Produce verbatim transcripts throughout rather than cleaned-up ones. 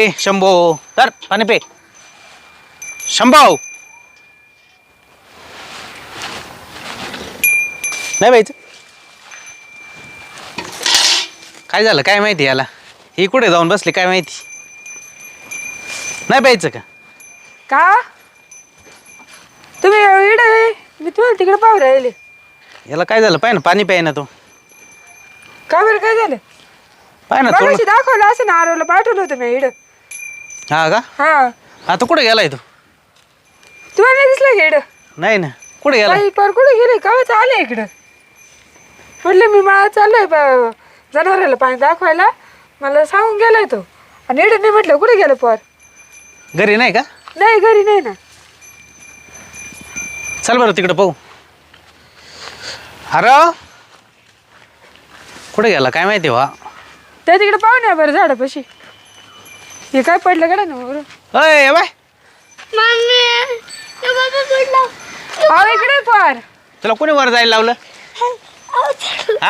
शंभो तर पाणी पे शंभो नाही बाईच काय झालं काय माहिती याला ही कुठे जाऊन बसली काय माहिती नाही प्यायचं का का तुम्ही इकडे मी तुम्हाला तिकडे पाहू राहिले याला काय झालं पाय ना पाणी प्याय ना तो का बरं काय झालं पाय ना थोडं दाखवलं असं ना आरवला पाठवलं होतं मी इकडं हा का हा आता कुठे गेलाय तू तुम्हाला नाही दिसलं का इकडं नाही ना कुठे गेला काही पर कुठे गेले कावच आले इकडं म्हटलं मी मला चाललोय ब- जनावराला पाणी दाखवायला मला सांगून गेलाय तो आणि इकडे नाही म्हटलं कुठे गेलं पर घरी नाही का नाही घरी नाही ना चल बरं तिकडे पाहू अरे कुठे गेला काय माहिती वा त्या तिकडे पाहू ना बरं झाडापाशी हे काय पडलं का ना बरं अय बाय अहो इकडे पर तुला कोणी वर जायला लावलं हा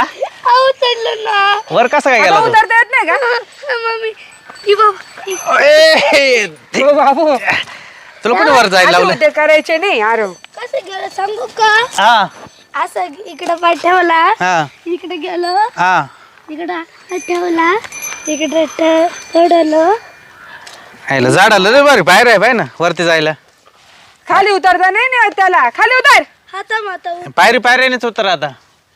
ना वर कसं काय गेला आता तू? उतरता येत नाही का मम्मी ई बाबा ए, ते- हो बाबू तुला कोणी वर जायला असं लावलं उद्योग करायचे नाही आरव कसं गेलं सांगू का हा असं इकडं पाय ठेवला हा इकडे गेलो हा इकडं हात ठेवला इकडे चढलो आयला झाड आलं रे बरं बाहेर आहे बाय ना वरती जायला खाली उतरता नाही नाही येत त्याला खाली उतर हाता माता पायरी पायरीनेच उतर आता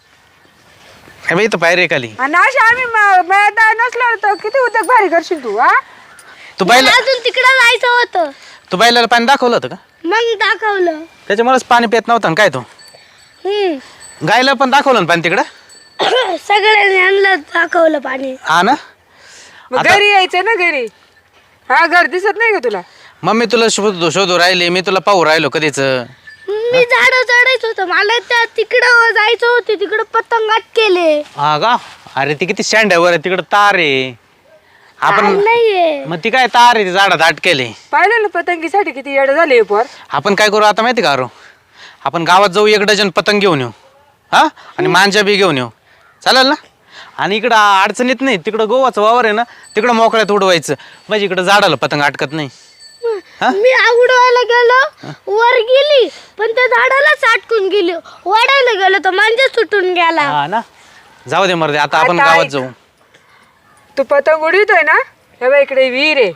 हे बाई इथं पायरी आहे खाली आणि अशा आम्ही मैदान नसलो तर किती उद्योग भारी करशील तू हा तू बायला अजून तिकडं जायचं होतं तू बायला पाणी दाखवलं होतं का मग दाखवलं त्याच्यामुळेच पाणी पित नव्हतं ना काय तू हम्म गायला पण दाखवलं ना पाणी तिकडं सगळ्यांनी आणलं दाखवलं पाणी हा ना मग आता- घरी यायचं ना घरी हा घर दिसत नाही का तुला मम्मी तुला शोधू शोधू राहिले मी तुला पाहू राहिलो कधीच मी झाड चढायचं होतं मला त्या तिकडं जायचं होतं तिकडं पतंगात केले हा का अरे ती किती स्टँड आहे वर तिकडं तार आहे आपण नाहीये मग ती काय तार आहे ती झाडात अटकेले पाहिलं ना पतंगीसाठी किती येडं झाले पर आपण काय करू आता माहिती का अरो आपण गावात जाऊ एक डझन पतंग घेऊन येऊ हा आणि मांजा बी घेऊन येऊ चालेल ना आणि इकडं अडचणीत नाही तिकडं गोवाचं वावर आहे ना तिकडं मोकळ्यात उडवायचं म्हणजे इकडं झाडाला पतंग अटकत नाही हा? मी उडवायला गेलो वर गेली पण त्या झाडाला साटकून गेली वाढायला गेलो तर मांजा सुटून गेला हा ना जाऊ दे मर्दे आता आपण आता गावात ऐक. जाऊ तू पतंग उडवितोय ना हे बघ इकडे विहीर आहे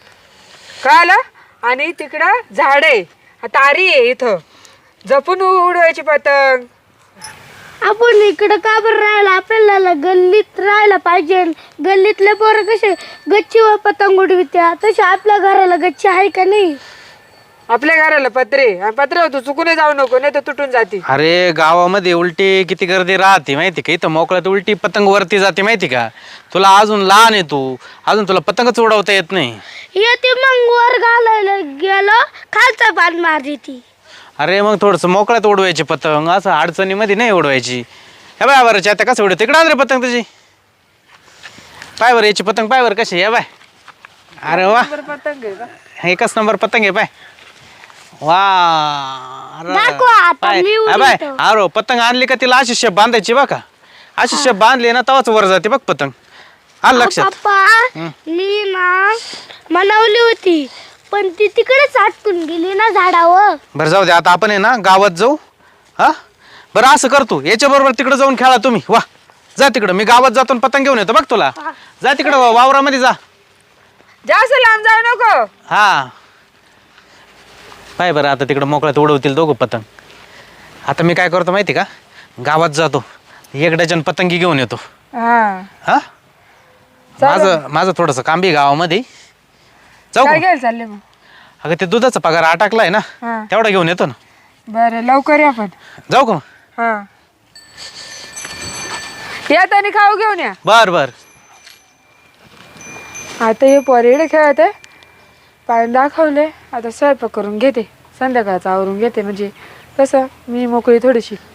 कळालं आणि तिकडं झाड आहे तारी आहे इथं जपून उडवायची पतंग आपण इकडं का बरं राहायला आपल्याला गल्लीत राहायला पाहिजे गल्लीतले पोरं कसे गच्चीवर पतंग उडवित्या तसे आपल्या घराला गच्ची आहे का नाही आपल्या घराला पत्रे आणि पत्रे तू चुकून जाऊ नको नाही तर तुटून जाते अरे गावामध्ये उलटी किती गर्दी राहते माहिती का इथं मोकळ्यात उलटी पतंग वरती जाते माहिती का तुला अजून लहान आहे तू अजून तुला पतंगच उडवता येत नाही येते मग वर घालायला गेलो खालचा पान मारली ती अरे मग थोडंसं मोकळ्यात उडवायची पतंग असं अडचणीमध्ये नाही उडवायची हे बाय बरं आता कसं उडव तिकडं रे पतंग तुझी पाय बरं याची पतंग पाय बरं कशी आहे बाय अरे वा पतंग आहे का एकच नंबर पतंग आहे पाय वा अरे दाखवा आता, पाय. मी हा बाय उडवतो. अरे पतंग आणली का तिला अशी शेप बांधायची बघ का अशी शेप बांधली ना तवाच वर जाते बघ पतंग आलं लक्षात पप्पा मी ना मनवली होती पण ती तिकडे साटकून गेली ना झाडावर बरं जाऊ दे आता आपण आहे ना गावात जाऊ हा बरं असं करतो याच्या बरोबर तिकडे जाऊन खेळा तुम्ही वा जा तिकडं मी गावात जातो आणि पतंग घेऊन येतो बघ तुला जा तिकडं वावरामध्ये जा जास्त लांब जाऊ नको हा पाय बरं आता तिकडं मोकळ्यात उडवतील दोघं पतंग आता मी काय करतो माहिती का गावात जातो एक डझन पतंगी घेऊन येतो हा हा माझं माझं थोडंसं काम बी गावामध्ये जाऊ काय का? घ्यायला चालले मग अगं ते दुधाचा पगार अटकलाय ना हा तेवढा घेऊन येतो ना बरं लवकर या पण जाऊ का मग? हा या त्याने खाऊ घेऊन या बर बर आता हे पोरेडे खेळत आहे पाय दाखवले आता स्वयंपाक करून घेते संध्याकाळचं आवरून घेते म्हणजे कसं मी मोकळी थोडीशी